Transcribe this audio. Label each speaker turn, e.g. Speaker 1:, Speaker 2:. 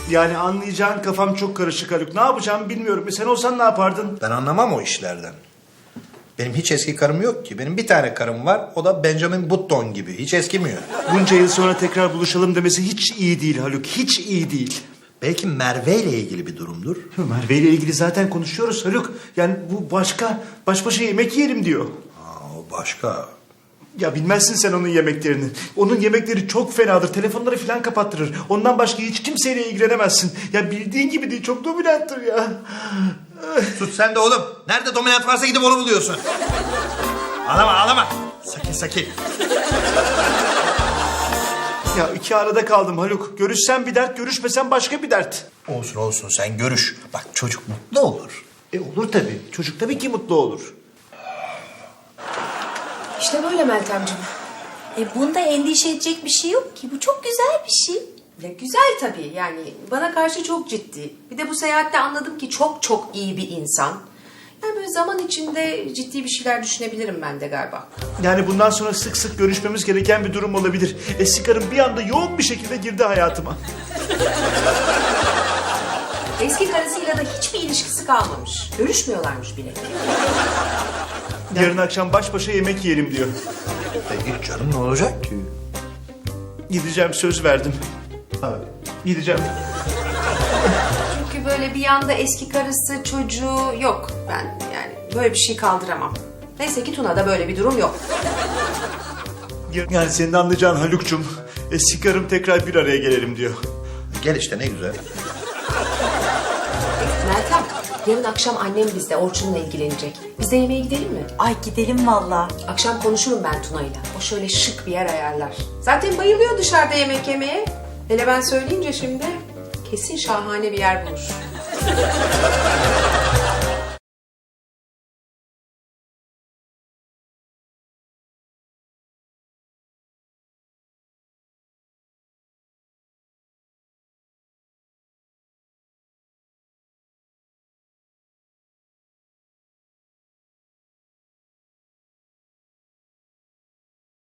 Speaker 1: Yani anlayacağın kafam çok karışık Haluk. Ne yapacağımı bilmiyorum. Sen olsan ne yapardın?
Speaker 2: Ben anlamam o işlerden. Benim hiç eski karım yok ki. Benim bir tane karım var. O da Benjamin Button gibi. Hiç eskimiyor.
Speaker 1: Bunca yıl sonra tekrar buluşalım demesi hiç iyi değil Haluk. Hiç iyi değil.
Speaker 2: Belki Merve ile ilgili bir durumdur.
Speaker 1: Merve ile ilgili zaten konuşuyoruz Haluk. Yani bu başka. Baş başa yemek yiyelim diyor.
Speaker 2: O başka.
Speaker 1: Ya bilmezsin sen onun yemeklerini. Onun yemekleri çok fenadır. Telefonları falan kapattırır. Ondan başka hiç kimseyle ilgilenemezsin. Ya bildiğin gibi değil. Çok dominanttır ya.
Speaker 2: Sus sen de oğlum. Nerede dominant varsa gidip onu buluyorsun. Ağlama ağlama. Sakin.
Speaker 1: Ya iki arada kaldım Haluk. Görüşsen bir dert, görüşmesen başka bir dert.
Speaker 2: Olsun sen görüş. Bak çocuk mutlu olur.
Speaker 1: Olur tabii. Çocuk tabii ki mutlu olur.
Speaker 3: İşte böyle Meltemciğim.
Speaker 4: Bunda endişe edecek bir şey yok ki. Bu çok güzel bir şey.
Speaker 3: Ya güzel tabii yani bana karşı çok ciddi. Bir de bu seyahatte anladım ki çok çok iyi bir insan. Yani böyle zaman içinde ciddi bir şeyler düşünebilirim ben de galiba.
Speaker 1: Yani bundan sonra sık sık görüşmemiz gereken bir durum olabilir. Eski karım bir anda yoğun bir şekilde girdi hayatıma.
Speaker 3: Eski karısıyla da hiçbir ilişkisi kalmamış. Görüşmüyorlarmış bile.
Speaker 1: Yarın akşam baş başa yemek yiyelim diyor.
Speaker 2: Peki canım ne olacak ki?
Speaker 1: Gideceğim, söz verdim. Gideceğim.
Speaker 3: Çünkü böyle bir yanda eski karısı çocuğu yok. Ben yani böyle bir şey kaldıramam. Neyse ki Tuna'da böyle bir durum yok.
Speaker 1: Yani senin anlayacağın Haluk'cum. Eski karım tekrar bir araya gelelim diyor.
Speaker 2: Gel işte ne güzel.
Speaker 3: Meltem, yarın akşam annem bizde Orçun'la ilgilenecek. Biz de yemeğe gidelim mi?
Speaker 4: Ay gidelim valla.
Speaker 3: Akşam konuşurum ben Tuna'yla. O şöyle şık bir yer ayarlar. Zaten bayılıyor dışarıda yemek yemeye. Hele ben söyleyince şimdi kesin şahane bir yer bulur.